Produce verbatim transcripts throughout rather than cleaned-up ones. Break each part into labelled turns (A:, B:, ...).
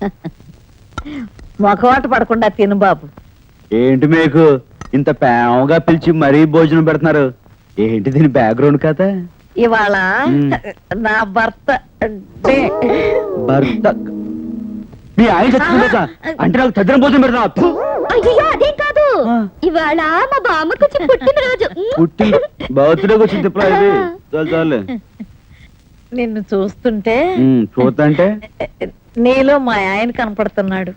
A: మొఖవాట పడకుండా తిను బాబు.
B: ఏంటి మీకు ఇంత ప్రేమగా పిలిచి మరీ భోజనం పెడుతున్నారు? ఏంటి దీని బ్యాక్గ్రౌండ్ కథ?
A: ఇవాళ నా భర్త
B: భర్త మీ ఆయన చచ్చిపోతా అంటే నాకు తద్దిన భోజనం పెడతా?
C: అయ్యో అదేం కాదు, ఇవాళ మా బామ్మకు పుట్టినరోజు.
B: పుట్టి బర్త్డేకి వచ్చింది చాలు చాలు.
A: నిన్ను చూస్తుంటే
B: చూస్తుంటే
A: నీలో మా ఆయన కనపడుతున్నాడు.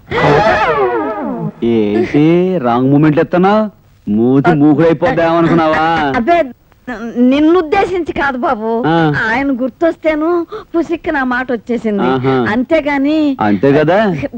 B: ఏంటి రాంగ్ మూమెంట్ ఎత్తనా? మూతి మూకుడైపోద్దామనుకున్నావా?
A: అదే నిన్ను ఉద్దేశించి కాదు బాబు, ఆయన గుర్తొస్తేను పుసిక్కి నా మాట వచ్చేసింది అంతేగాని.
B: అంతే కదా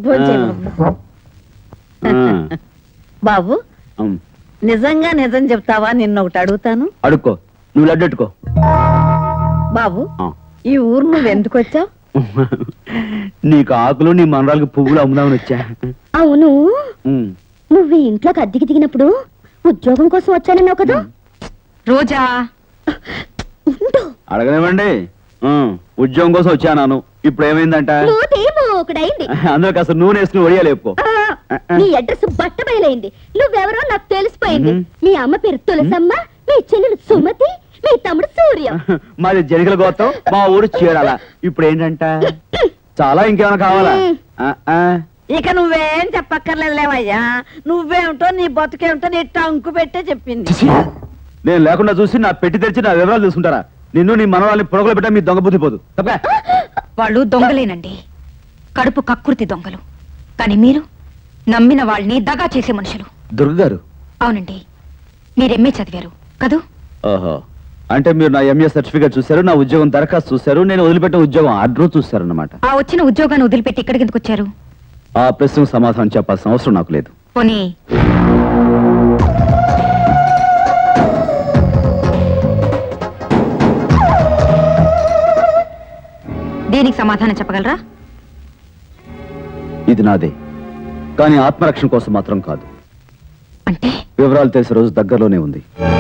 A: బాబు, నిజంగా నిజం చెప్తావా? నిన్న ఒకటి అడుగుతాను.
B: అడుక్కో, నువ్వు లడ్డెట్టుకో.
A: బాబు, ఈ ఊరు నువ్వు ఎందుకు వచ్చావు?
B: నీకు ఆకులు నీ మనరాలకు పువ్వులు అమ్ముదామని వచ్చా.
C: అవును, నువ్వు ఇంట్లోకి అద్దెకి దిగినప్పుడు ఉద్యోగం కోసం వచ్చానన్నావు కదా.
A: రోజా
B: అడగనివ్వండి. ఉద్యోగం కోసం వచ్చాను. ఇప్పుడు ఏమైందంట? అందులో కాస్త నూనె వేసుకుని ఒడియాలేపుకో.
C: నీ అడ్రస్ బట్ట బయలైంది. నువ్వెవరో నాకు తెలిసిపోయింది. మీ అమ్మ పేరు తులసమ్మ, మీ చెల్లెలు సుమతి, మీ తమ్ముడు సూర్య.
B: మాది జనికల గోత్రం, మా ఊరు చీరాల. ఇప్పుడు ఏంటంట? చాలా ఇంకేమైనా కావాలా?
A: ఇక నువ్వేం చెప్పక్కర్లేదులేవయ్యా. నువ్వేమిటో నీ బతుకేమిటో నీ టంకు పెట్టే చెప్పింది.
B: నేను లేకుండా చూసి నా పెట్టి తెరిచి నా వివరాలు చూసుకుంటారా? నిన్ను నీ మనవాళ్ళని పొడగలు పెట్టా మీ దొంగ బుద్ధి పోదు.
D: వాళ్ళు దొంగలేనండి, కడుపు కక్కుర్తి దొంగలు. కానీ మీరు నమ్మిన వాళ్ళని దగా చేసే మనుషులు.
B: దుర్గ గారు?
D: అవునండి, మీరు ఎంఏ చదివారు కదూ?
B: ఓహో, అంటే మీరు నా ఎంఏ సర్టిఫికేట్ చూశారు, నా ఉద్యోగం దరఖాస్తు చూశారు, నేను వదిలిపెట్టిన ఉద్యోగం ఆర్డర్ చూశారు అన్నమాట.
D: ఆ వచ్చిన ఉద్యోగాన్ని వదిలిపెట్టి ఇక్కడికి ఎందుకు వచ్చారు?
B: ఆ ప్రశ్నకు సమాధానం చెప్పాల్సిన అవసరం నాకు లేదు.
D: పోనీ దీనికి సమాధానం చెప్పగలరా?
B: ఇది నాదే, కానీ ఆత్మరక్షణ కోసం మాత్రం కాదు.
D: అంటే
B: వివరాలు తెలిసే రోజు దగ్గరలోనే ఉంది.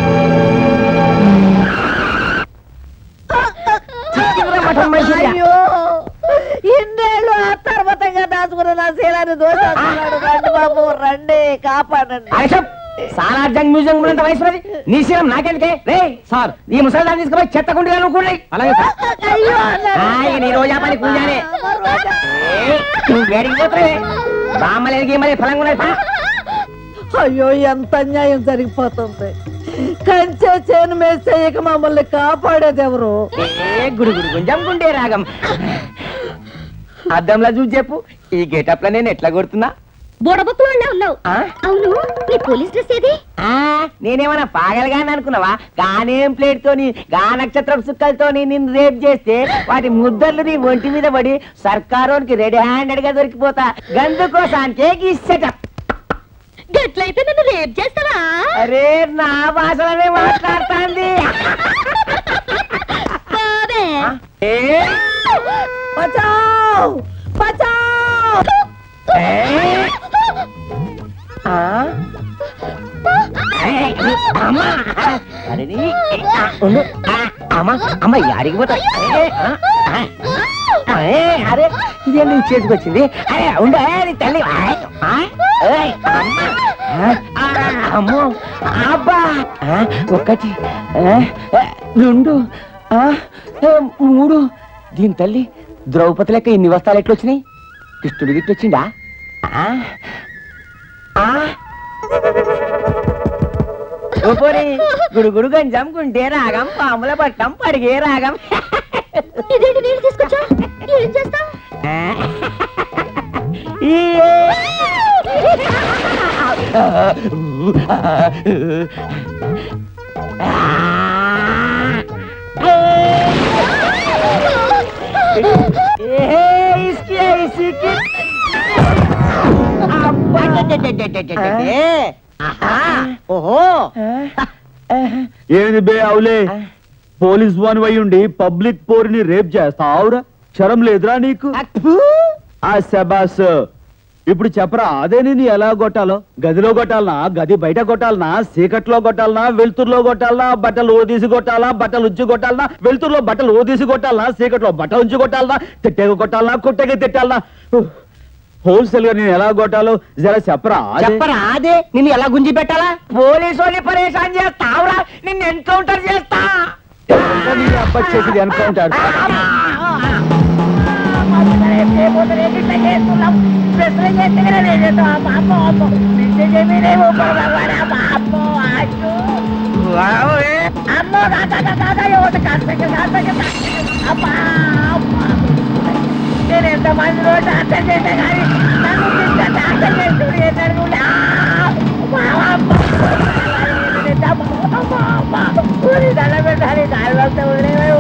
A: అయ్యో, ఇన్నేళ్ళు ఆ తర్వాతగా దాచుకున్న నా శీలాన్ని దోషాడు. రండి బాబు, రండి, కాపాడండి.
E: సాలార్జంగ్ మ్యూజియం ఉన్నంత వయసు నీ శీలం నాకెందుకే? రే సార్, ఈ ముసలిదాన్ని తీసుకుపోయి చెత్తకుండా నువ్వు. అలాగే నీ రోజా పని పూజానే. నువ్వు వేడికిపోతావే, బామ్మలేనికి మరి ఫలంగా ఉన్నాయి.
A: అయ్యో, ఎంత అన్యాయం జరిగిపోతుంది. కంచె చేను మేస్తే ఇక మమ్మల్ని కాపాడేది ఎవరు?
E: గుడి గుడి గుంజం గుండే రాగం. అద్దంలా చూసి చెప్పు, ఈ గెటప్ లో నేను ఎట్లా కొడుతున్నా?
C: బుడబుక్కులోనే ఉన్నావు. అవును, నీ పోలీస్ డ్రెస్ ఏది?
E: నేనేమన్నా పాగలగాని అనుకున్నావా? గానేం ప్లేట్ తోని గా నక్షత్రం సుక్కలతోని నిన్ను రేప్ చేస్తే వాటి ముద్దర్లు నీ ఒంటి మీద పడి సర్కారోనికి రెడీ హ్యాండెడ్ గా దొరికిపోతా. గందుకోసానికే ఇచ్చట.
C: గట్లయితే నన్ను రేప్ చేస్తావా?
E: అరే, నా భాషలోనే మాట్లాడుతాంది.
A: బచావ్, బచావ్.
E: అమ్మ యాడికి పోతా? అరే, ఇదే నువ్వు చేతికి వచ్చింది. అరే ఉండు, తల్లి. అమ్మో, అబ్బా. ఒకటి, రెండు, మూడు. దీని తల్లి ద్రౌపది లెక్క ఇన్ని వస్తాలు ఎట్లొచ్చినాయి? కృష్ణుడు గిట్టొచ్చిందా? గుడు గుడు గంజం గుంటే రాగం, పాముల పట్టం పడిగే రాగం.
C: ఇదేంటి నీళ్ళు తీసుకొచ్చా? ఏం చేస్తావు?
B: ఏది బే అవులే, పోలీస్ వాన్ అయ్యుండి పబ్లిక్ పోరిని రేప్ చేస్తావురా? క్షరం లేదురా నీకు? ఆ శబాస్, ఇప్పుడు చెప్పరా, అదే నేను ఎలా కొట్టాలో? గదిలో కొట్టాలనా, గది బయట కొట్టాలనా, చీకట్లో కొట్టాలనా, వెలుతురులో కొట్టాలనా, బట్టలు ఓదీసి కొట్టాలా, బట్టలు ఉంచి కొట్టాలనా, వెలుతురులో బట్టలు ఓదీసి కొట్టాలనా, చీకట్లో బట్టలు ఉంచి కొట్టాలనా, తిట్టేగా కొట్టాలనా, కొట్టేగా తిట్టాలనా? హోల్సేల్ గా నేను ఎలా కొట్టాలో జరా చెప్పరా అదే.
E: చెప్పరా అదే నిన్ను ఎలా గుంజి పెట్టాలా పోలీసు వాళ్ళని పరేషాన్ చేస్తావురా నిన్ను ఎన్కౌంటర్ చేస్తా
B: ఇంకా నీ అబ్బాయి చేసేది ఎన్కౌంటర్.
E: నేను ఎంత మంది రోజు అర్థం చేసా కానీ నన్ను ఇంత అర్థం చేస్తుంది పెట్టాలి కాలు వస్తే వదిలేవు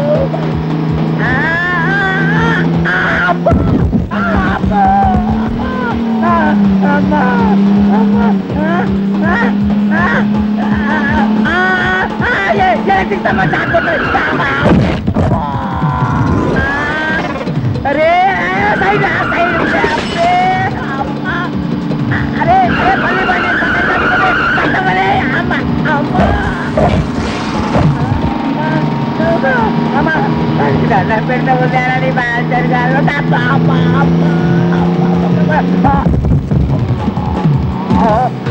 E: अरे साइड आ साइड अरे अम्मा अरे अरे भले भले कट भले अम्मा अम्मा अम्मा दादा पेट में जाना नहीं बाहर चल गया लो अम्मा अम्मा अम्मा